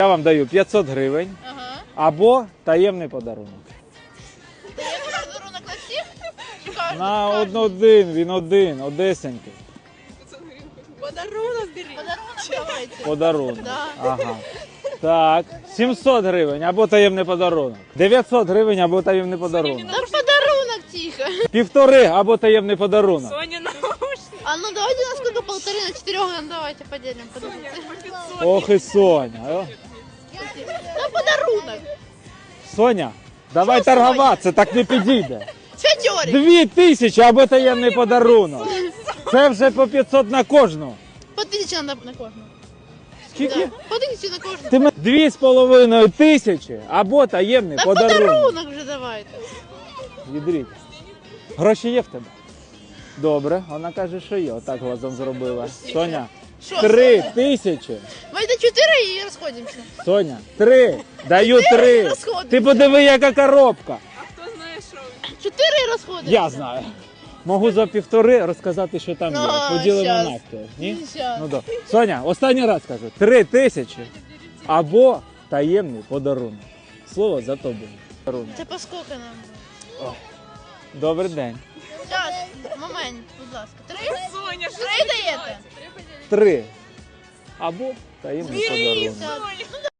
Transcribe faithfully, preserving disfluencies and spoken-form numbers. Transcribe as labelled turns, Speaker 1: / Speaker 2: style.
Speaker 1: Я вам даю п'ятсот гривень
Speaker 2: Ага.
Speaker 1: або таємний подарунок.
Speaker 2: Таємний подарунок на всіх? Чи кожен?
Speaker 1: На
Speaker 2: Кожен?
Speaker 1: один, він один, одесенький.
Speaker 2: Подарунок бери. Подарунок давайте.
Speaker 1: Подарунок.
Speaker 2: Да.
Speaker 1: Ага. Так, сімсот гривень або таємний подарунок. дев'ятсот гривень або таємний подарунок.
Speaker 2: Да подарунок тихо.
Speaker 1: Півтори або таємний подарунок.
Speaker 3: Соня наушник.
Speaker 2: А ну давайте на сколько? Полторы на четырех? Ну давайте поделим. Подождите.
Speaker 1: Ох і Соня. О.
Speaker 2: Да подарунок.
Speaker 1: Соня, давай
Speaker 2: Що, Соня?
Speaker 1: торгуватися, так не підійде.
Speaker 2: Пятерик.
Speaker 1: Дві тисячі або таємний подарунок. Це вже по п'ятсот на кожну.
Speaker 2: По тысяче надо на кожну.
Speaker 1: Скільки?
Speaker 2: Да. По тысяче на кожну.
Speaker 1: Ти м- Дві з половиною тисячі або таємний
Speaker 2: Да
Speaker 1: подарунок.
Speaker 2: подарунок вже давайте.
Speaker 1: Відріть. Гроші є в тебе? Добре, вона каже, що є. Отак глазом зробила. Соня,
Speaker 2: Що?
Speaker 1: три тисячі.
Speaker 2: Давайте чотири і розходимося.
Speaker 1: Соня, три. Даю три.
Speaker 2: розходимося.
Speaker 1: Ти подиви, яка коробка.
Speaker 3: А хто знає, що?
Speaker 2: Чотири і розходимося.
Speaker 1: Я знаю. Можу за півтори розказати, що там є.
Speaker 2: Ну,
Speaker 1: Поділимо
Speaker 2: щас.
Speaker 1: навпіл. Ні?
Speaker 2: Щас.
Speaker 1: Ну, добре. Соня, останній раз кажу. Три тисячі або таємний подарунок. Слово за тобою. Подарунок.
Speaker 2: Це по скільки нам?
Speaker 1: Добрий день.
Speaker 2: Зараз, момент, будь ласка. Три?
Speaker 3: Соня, що
Speaker 2: Три даєте?
Speaker 1: Три. Або таємний
Speaker 3: Бери,
Speaker 1: подарунок.
Speaker 3: Соня.
Speaker 2: Ну